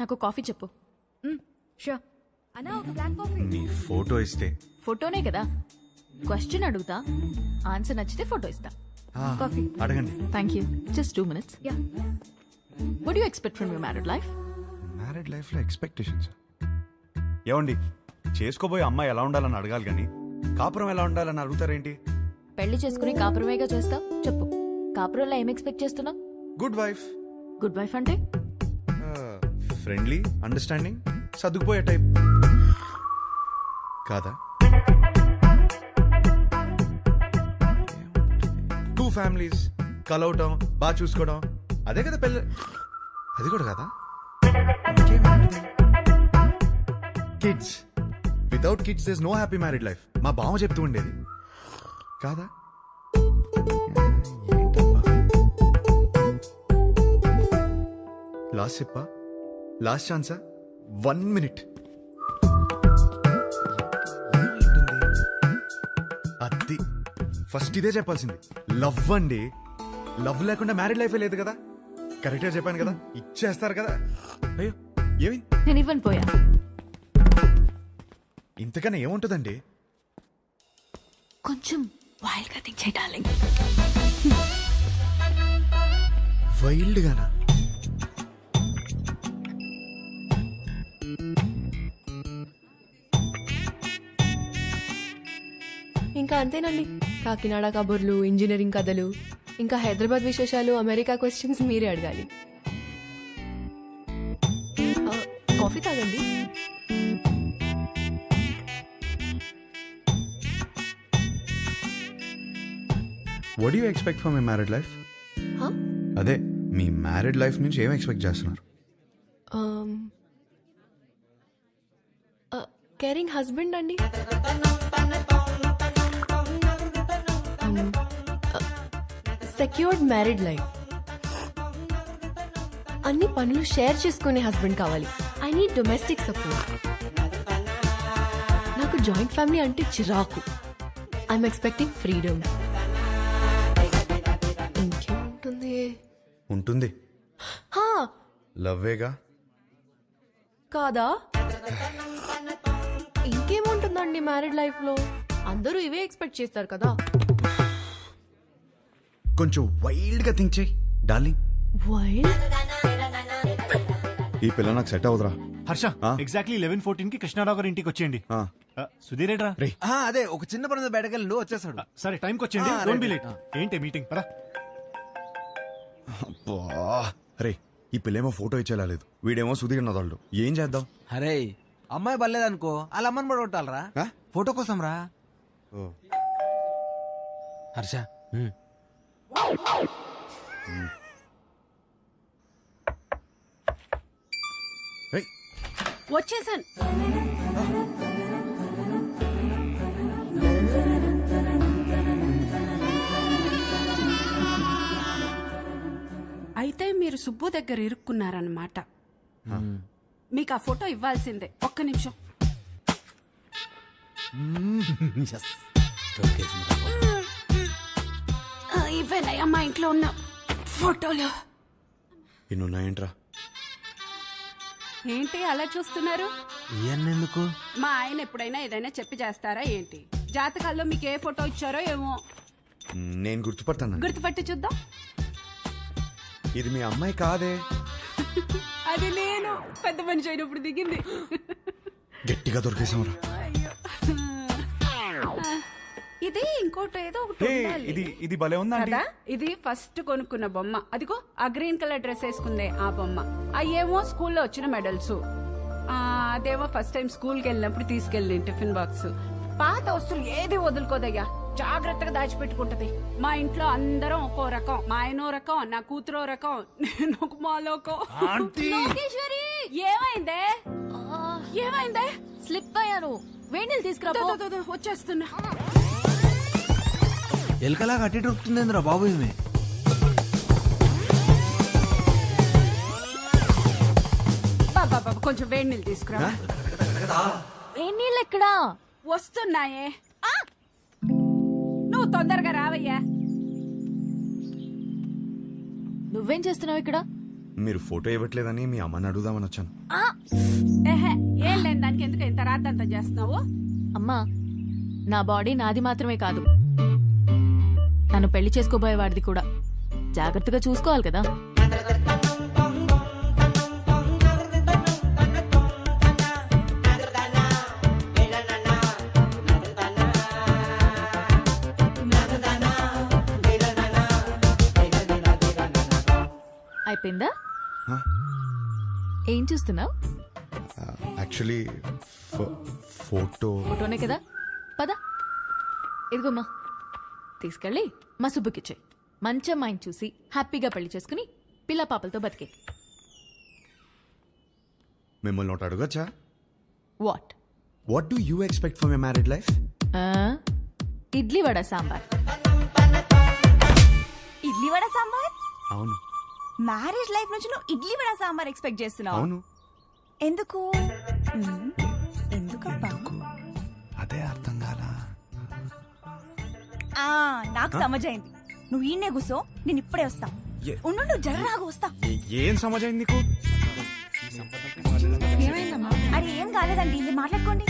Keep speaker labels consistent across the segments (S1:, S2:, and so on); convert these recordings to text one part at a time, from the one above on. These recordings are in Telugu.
S1: నాకు కాఫీ చెప్పు.
S2: షూర్ అన్నా, ఒక బ్లాక్ కాఫీ.
S3: నీ ఫోటో ఇస్తే
S1: ఫోటోనే కదా. క్వశ్చన్ అడుగుతా, ఆన్సర్ నచ్చితే ఫోటో ఇస్తా.
S2: కాఫీ.
S3: అడగండి.
S1: Thank you. Just 2 minutes.
S2: Yeah.
S1: What do you expect from your married life?
S3: Married life లో ఎక్స్పెక్టేషన్స్ ఏమండి, చేసుకోబోయే అమ్మాయి ఎలా ఉండాలని అడగాలి కానీ కాపురం ఎలా ఉండాలని అడుగుతారేంటి?
S1: పెళ్లి చేసుకుని కాపురమేగా చేస్తావు. చెప్పు, కాపురంలో ఏం ఎక్స్పెక్ట్ చేస్తున్నావు?
S3: గుడ్ వైఫ్,
S1: గుడ్ వైఫ్ అంటే
S3: ఫ్రెండ్లీ, అండర్స్టాండింగ్, సర్దుకుపోయే టైప్ కాదా? 2 families కలవటం, బాగా చూసుకోవడం, అదే కదా పెళ్ళి. అది కూడా కదా. Kids, without kids there is no happy married life. మా బావ చెప్తూ ఉండేది కాదా? లాస్ట్ చెప్పా, లాస్ట్ ఛాన్సా, 1 minute. అది ఫస్ట్ ఇదే చెప్పాల్సింది. లవ్ అండి, లవ్ లేకుండా మ్యారీడ్ లైఫే లేదు కదా. కరెక్ట్ గా చెప్పాను కదా, ఇచ్చేస్తారు కదా. అయ్యో ఏమి,
S1: నేను ఇవ్వను పోయా.
S3: ఇంతకన్నా ఏముంటుందండి?
S1: కొంచెం వైల్డ్ గా థింక్ చేయి డార్లింగ్.
S3: వైల్డ్ గానా?
S2: ఇంకా అంతేనండి. కాకినాడ కబుర్లు, ఇంజనీరింగ్ కథలు, ఇంకా హైదరాబాద్ విశేషాలు, అమెరికా క్వశ్చన్స్ మీరే అడగాలి. కాఫీ తాగండి.
S3: What you expect from my married life? అదే మీ మ్యారీడ్ లైఫ్ నుంచి ఏం ఎక్స్పెక్ట్ చేస్తున్నారు?
S2: కేరింగ్ హస్బెండ్ అండి. Secured married life. అన్ని పనులు షేర్ చేసుకునే హస్బెండ్ కావాలి. I need domestic support. నాకు జాయింట్ ఫ్యామిలీ అంటే చిరాకు. I'm expecting freedom. ఇంకేముంటుంది?
S3: ఉంటుంది,
S2: హా,
S3: లవ్వేగా.
S2: కాదా? ఇంకేముంటుందండి మ్యారీడ్ లైఫ్ లో? అందరూ ఇవే ఎక్స్పెక్ట్ చేస్తారు కదా.
S3: కొంచెం వైల్డ్ గా థింక్ చేయి డార్లింగ్.
S2: వైల్డ్?
S3: ఈ పిల్ల నాకు సెట్ అవుదరా.
S4: హర్ష, ఎగ్జాక్ట్లీ 11:14 కి కృష్ణారావు గారి ఇంటికి వచ్చేయండి. సుధీర్ ఏడ్రా?
S5: అదే ఒక చిన్న పని బయటకెళ్ళి వచ్చేసాడు.
S4: సరే టైంకి వచ్చేయండి, డోంట్ బి లేట్. ఏంటి మీటింగ్? పరా.
S3: రే, ఈ పిల్లేమో ఫోటో ఇచ్చేలా లేదు, వీడేమో సుధీర్ నదాళ్ళు. ఏం చేద్దాం?
S5: అరే అమ్మాయి బలేదనుకో, వాళ్ళ అమ్మని కూడా కొట్టాలరా ఫోటో కోసం రా. హర్ష
S6: వచ్చేసాను. అయితే మీరు సుబ్బు దగ్గర ఇరుక్కున్నారన్నమాట. మీకు ఆ ఫోటో ఇవ్వాల్సిందే. ఒక్క నిమిషం. ఇవేనయ్యా మా ఇంట్లో ఉన్న ఫోటోలు.
S3: ఇన్నున్నాయంట్రా.
S6: ఏంటి అలా చూస్తున్నారు?
S5: ఎందుకు?
S6: మా ఆయన ఎప్పుడైనా ఏదైనా చెప్పి చేస్తారా ఏంటి? జాతకాల్లో మీకు ఏ ఫోటో ఇచ్చారో ఏమో.
S3: నేను గుర్తుపడతాను.
S6: గుర్తుపట్టి చూద్దాం.
S3: ఇది మీ అమ్మాయి కాదే.
S6: అది నేను పెద్ద మనిషి అయినప్పుడు దిగింది.
S3: గట్టిగా దొరికేసాంరా.
S6: ఇది ఇంకోటి ఏదో ఒకటి ఉండాలి.
S3: ఇది భలే ఉందా
S6: కదా? ఇది ఫస్ట్ కొనుక్కున్న బొమ్మ. అదిగో ఆ గ్రీన్ కలర్ డ్రెస్ వేసుకుందే ఆ బొమ్మ. అయ్యేమో స్కూల్లో వచ్చిన మెడల్స్. అదేమో ఫస్ట్ టైం స్కూల్కి వెళ్ళినప్పుడు తీసుకెళ్ళి టిఫిన్ బాక్స్. పాత వస్తువులు ఏది వదులుకోదయ్యా, జాగ్రత్తగా దాచిపెట్టుకుంటది. మా ఇంట్లో అందరం ఒక్కో రకం. మా ఆయనో రకం, నా కూతురో రకం, నేను ఒక మాలోకం.
S1: లోకేశ్వరి,
S6: ఏమైందే? ఏమైందే?
S1: స్లిప్ అయ్యాను. వేణీలు తీసుకురా.
S6: వచ్చేస్తున్నా.
S5: ఎలకలా కట్టి దొరుకుతుందిరా బాబు. ఇది
S6: కొంచెం వేడి నీళ్ళు తీసుకురా.
S1: వేణీళ్ళు ఎక్కడా?
S6: వస్తున్నాయే. నువ్వు తొందరగా రావయ్యా.
S1: నువ్వేం చేస్తున్నావు ఇక్కడ?
S3: మీరు ఫోటో ఇవ్వట్లేదని మీ అమ్మని అడుగుదామని వచ్చాను.
S6: ఏహే, ఏం లేని దానికి ఎందుకు ఇంత రాద్దంతా చేస్తున్నావు?
S1: అమ్మా నా బాడీ నాది మాత్రమే కాదు, నన్ను పెళ్లి చేసుకోబోయేవాడిది కూడా. జాగ్రత్తగా చూసుకోవాలి కదా. అయిపోయిందా?
S3: Huh?
S1: ఏం చూస్తున్నావు?
S3: Actually photo.
S1: ఫోటోనే కదా, పద. ఇదిగోమ్మా, తీసుకెళ్ళి మా సుబ్బుకిచ్చే. మంచి అమ్మాయిని చూసి హ్యాపీగా పెళ్లి చేసుకుని పిల్ల పాపలతో బతికే.
S3: మిమ్మల్ని ఒకటి అడగచ్చా?
S1: What?
S3: What do you expect for my married life?
S1: Idli vada sambar.
S7: Idli vada sambar?
S3: అవును.
S7: మ్యారేజ్ లైఫ్ నుంచి నువ్వు ఇడ్లీ వడ సాంబార్ ఎక్స్పెక్ట్ చేస్తున్నావు?
S3: అవును.
S7: ఎందుకు? ఎందుకబ్బా?
S3: అదే అర్థం కాలా.
S7: నాకు సమజైంది. నువ్వు ఈయనే కూసో, నేను ఇప్పుడే వస్తా.
S3: ఏ-
S7: ఉండు, జర్రాగా వస్తా.
S3: ఏం సమాజం నీకు?
S7: అరే ఏం కాలేదండి, మీరు మాట్లాడుకోండి.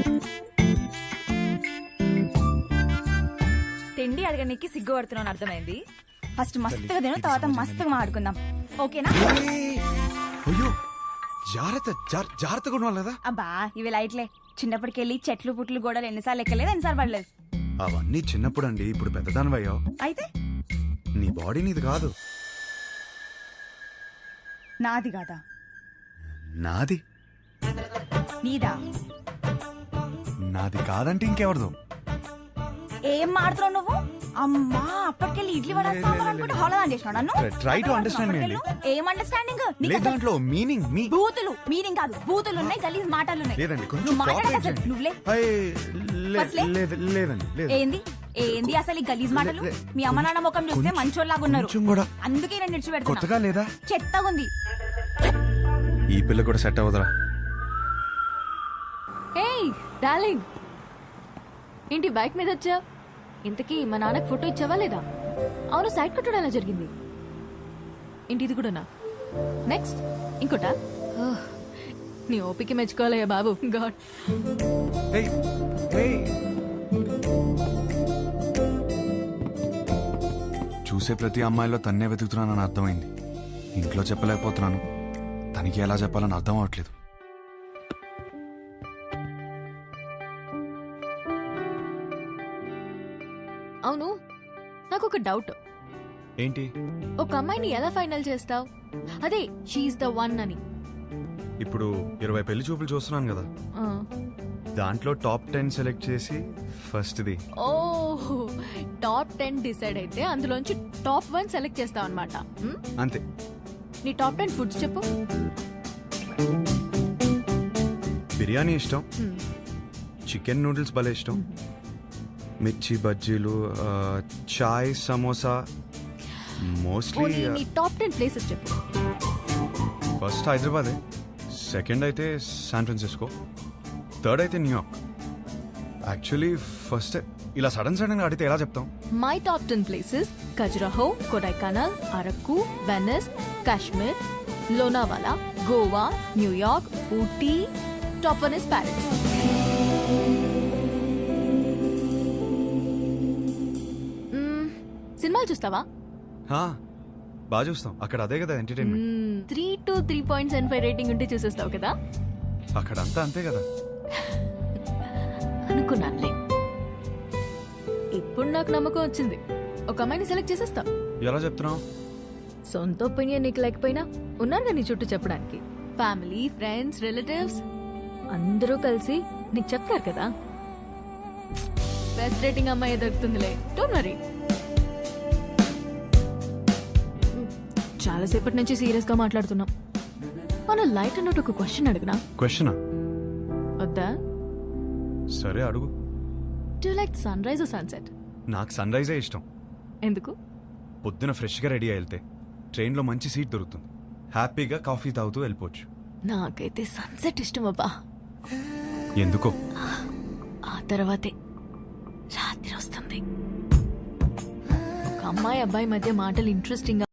S7: తిండి అడగడానికి సిగ్గు పడుతున్నాను అర్థమైంది. ఫస్ట్ మస్తుగా తిను, తర్వాత మస్తుగా మాట్లాడుకుందాం, ఓకేనా?
S3: అయ్యో జాగ్రత్త, జాగ్రత్తగా ఉండాలి కదా.
S7: అబ్బా ఇవి లైట్లే. చిన్నప్పటికెళ్ళి చెట్లు పుట్లు గోడలు ఎన్నిసార్లు ఎక్కలేదు, ఎన్నిసార్లు పడలేదు.
S3: అవన్నీ చిన్నప్పుడు అండి, ఇప్పుడు పెద్దదానివయ్యావు.
S7: అయితే
S3: నీ బాడీ నీది కాదు.
S7: నాది కాదా?
S3: నాది.
S7: నీదా?
S3: నాది కాదంటే ఇంకెవరిదో.
S7: ఏం మాడుతున్నావు నువ్వు? అమ్మా అప్పటికెళ్ళి ఇడ్లీ వడ సాంబార్ అనుకుంటే హోళదాన్ చేసినావు నన్ను.
S3: Try to understand me అండి.
S7: ఏం అండర్స్టాండింగ్?
S3: లేదు దాంట్లో మీనింగ్ మీ.
S7: బూతులు మీనింగ్ కాదు, బూతులు ఉన్నాయి, గలీజ్ మాటలు ఉన్నాయి.
S3: లేదండి కొంచెం
S7: నువ్వు మాట్లాడక
S3: cooperate
S7: అసలు
S3: చేయండి.
S7: నువ్వులే. ఫస్ట్లే?
S3: లేదండి లేదు.
S7: ఏంది ఏంది అసలు ఈ గలీజ్ మాటలు?
S3: లే,
S7: మీ అమ్మ నాన్న ముఖం చూస్తే
S3: కొంచెం-
S7: మంచోళ్ళలాగా ఉన్నారు,
S3: కొంచెం కూడా
S7: అందుకే నేను నిడిచిపెడుతున్నా.
S3: కొత్తగా లేదా?
S7: చెత్తగా ఉంది.
S3: ఈ పిల్ల కూడా సెట్ అవ్వదురా.
S1: ఏయ్ డార్లింగ్, ఏంటి బైక్ మీద వచ్చా? ఇంతకీ మా నాన్నకి ఫోటో ఇచ్చావా లేదా? అవును, సైడ్ కొట్టడం ఎలా జరిగింది? ఏంటి ఇది కూడానా? నెక్స్ట్ ఇంకోటా? ఓహ్, నీ ఓపిక మెచ్చుకోవాలయ్యా బాబు. గాడ్.
S3: Hey, hey. చూసే ప్రతి అమ్మాయిలో తన్నే వెతుకుతున్నానని అర్థమైంది. ఇంట్లో చెప్పలేకపోతున్నాను, తనకి ఎలా చెప్పాలని అర్థం అవట్లేదు.
S1: అవును, నాకు ఒక డౌట్.
S3: ఏంటి?
S1: ఒక అమ్మాయిని ఎలా ఫైనల్ చేస్తావు? అదే షీఈస్ ద వన్ అని.
S3: ఇప్పుడు 20 పెళ్లి చూపులు చూస్తున్నాను కదా,
S1: ఆ.
S3: దాంట్లో టాప్ 10 సెలెక్ట్ చేసి ఫస్ట్ది.
S1: ఓహ్, టాప్ 10 డిసైడ్ అయితే అందులోంచి టాప్ 1 సెలెక్ట్ చేస్తావు అనమాట.
S3: అంతే.
S1: నీ టాప్ 10 ఫుడ్స్ చెప్పు.
S3: బిర్యానీ ఇష్టం, చికెన్ నూడిల్స్ భలే ఇష్టం, మిర్చి బజ్జీలు, చాయ్, సమోసా. మోస్ట్లీ
S1: పోనీ నీ టాప్ 10 ప్లేసెస్ చెప్పు.
S3: ఫస్ట్ హైదరాబాదే, సెకండ్ అయితే శాన్ ఫ్రాన్సిస్కో, థర్డ్ అయితే న్యూయార్క్. యాక్చువల్లీ ఫస్ట్ ఇలా సడన్ సడన్ గా అడిగితే ఎలా చెప్తాం?
S1: My top 10 places: Khajuraho, Kodaikanal, Araku, Venice, Kashmir, Lonavala, Goa, New York, Ooty. Top 1 is Paris. సినిమాలు చూస్తావా?
S3: బాగా చూస్తాం, అక్కడ అదే కదా ఎంటర్టైన్మెంట్.
S1: 3 to 3.75 రేటింగ్ ఉంటే చూసేస్తావు కదా.
S3: అక్కడ అంతా అంతే కదా.
S1: అనుకున్నానులే. ఇప్పుడు నాకు నమ్మకం వచ్చింది, ఒక అమ్మాయిని సెలెక్ట్ చేసేస్తావు.
S3: ఎలా చెప్తున్నావు?
S1: సొంత ఒపీనియన్ నీకు లేకపోయినా ఉన్నారు నీ చుట్టూ చెప్పడానికి. ఫ్యామిలీ, ఫ్రెండ్స్, రిలేటివ్స్ అందరూ కలిసి నీకు చెప్తారు కదా. బెస్ట్ రేటింగ్ అమ్మాయి దొరుకుతుందిలే, డోంట్ వరీ. చాలాసేపటి నుంచి సీరియస్ గా మాట్లాడుతున్నాం. మన లైట్ అన్నట్టు ఒక క్వశ్చన్ అడిగినా?
S3: క్వశ్చనా?
S1: వద్దా?
S3: సరే అడుగు.
S1: Do like sunrise or sunset?
S3: నాకు సన్ రైజే ఇష్టం.
S1: ఎందుకు?
S3: పొద్దున ఫ్రెష్గా రెడీ అయి వెళ్తే ట్రైన్లో మంచి సీట్ దొరుకుతుంది, హ్యాపీగా కాఫీ తాగుతూ వెళ్ళిపోవచ్చు.
S1: నాకైతే సన్సెట్ ఇష్టం అబ్బా.
S3: ఎందుకో?
S1: ఆ తర్వాతే రాత్రి వస్తుంది. ఒక అమ్మాయి అబ్బాయి మధ్య మాటలు ఇంట్రెస్టింగ్